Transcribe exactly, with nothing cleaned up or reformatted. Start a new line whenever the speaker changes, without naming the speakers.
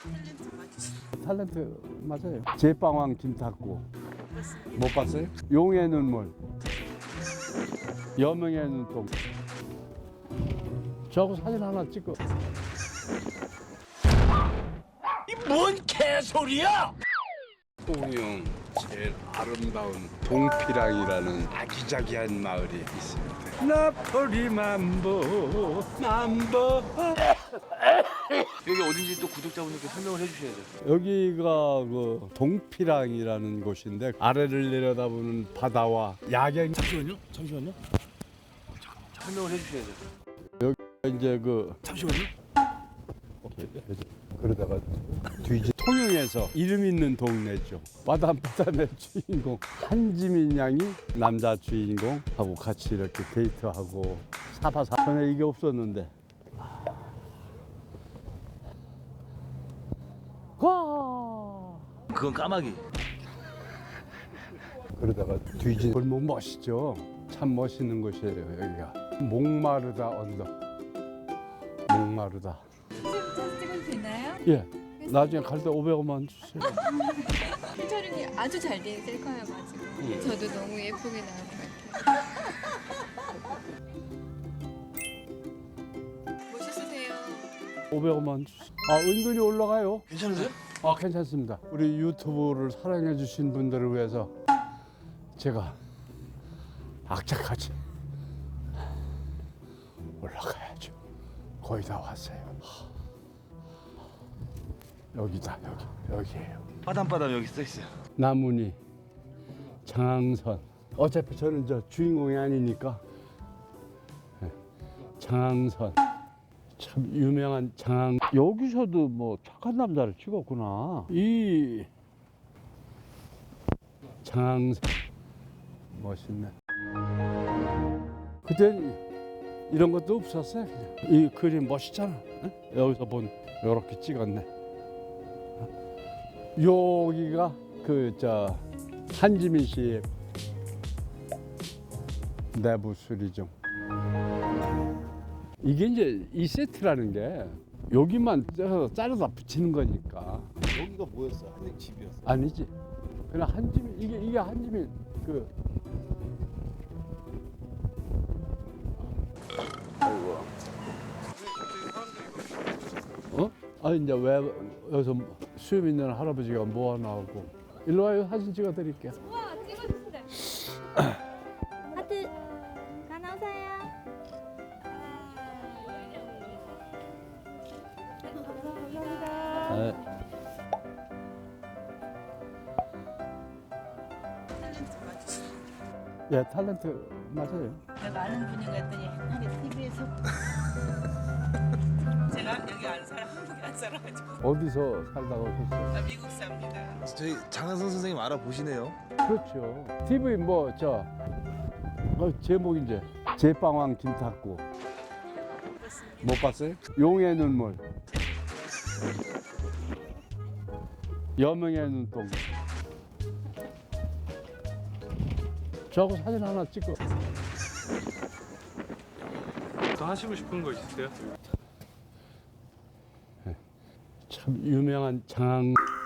탤런트 맞으시죠?
탤런트 맞아요. 제빵왕 김탁구. 못 봤어요? 용의 눈물, 여명의 눈동. 저하고 사진 하나 찍어.
이 뭔 개소리야!
우리 형 제일 아름다운 동피랑이라는 아기자기한 마을이 있습니다. 나폴리 만보 만보.
여기 어딘지 또 구독자분들께 설명을 해주셔야죠.
여기가 그 동피랑이라는 곳인데 아래를 내려다보는 바다와 야경.
잠시만요. 잠시만요. 잠깐만. 설명을 해주셔야죠.
이제 그
잠시만요.
그러다가 뒤지 통영에서 이름 있는 동네죠. 바닷바다의 주인공 한지민 양이 남자 주인공하고 같이 이렇게 데이트하고 사바사. 전에 이게 없었는데. 와.
그건 까마귀.
그러다가 뒤진 골목 멋있죠. 참 멋있는 곳이에요 여기가. 목마르다 언덕. 목마르다.
사진 찍어도 되나요?
예. 나중에 갈 때 오백 원만 주세요.
촬영이 아주 잘 된 셀카여가지고
예.
저도 너무 예쁘게 나올 것 같아요. 멋있으세요.
오백 원만 주세요. 아 은근히 올라가요.
괜찮으세요?
아 괜찮습니다. 우리 유튜브를 사랑해 주신 분들을 위해서 제가 악착같이 올라가야죠. 거의 다 왔어요. 여기다 여기 여기에요.
빠담빠담 여기 써 있어요.
나문이 장항선. 어차피 저는 저 주인공이 아니니까. 네. 장항선. 참 유명한 장항. 여기서도 뭐 착한 남자를 찍었구나. 이 장항선 멋있네. 그때 이런 것도 없었어요. 그냥. 이 그림 멋있잖아. 응? 여기서 본 이렇게 찍었네. 여기가 그 저 한지민 씨의 내부 수리점. 이게 이제 이 세트라는 게 여기만 떼서 자르다 붙이는 거니까.
여기가 뭐였어? 한양 집이었어.
아니지. 그냥 한지민 이게 이게 한지민 그. 아이고. 어? 아 이제 왜 여기서 수염 있는 할아버지가 모아나오고 일로 와요. 사진 찍어 드릴게요.
우와 찍어주신다.
하트 가 나오세요. 감사합니다.
네.
탤런트 맞으시죠?
예, 탤런트 맞아요.
내가 아는 분인 것 같더니 옛날에 티비에서
제가 여기 안 살아, 한국에 안 살아가지고
어디서 살다가 오셨어요?
나 미국 삽니다.
저희 장한선 선생님 알아보시네요.
그렇죠. 티비 뭐 저 어, 제목 이제 제빵왕 김탁구. 못 봤어요? 용의 눈물, 여명의 눈동. 저하고 사진 하나 찍어.
더 하시고 싶은 거 있으세요?
참 유명한 장항.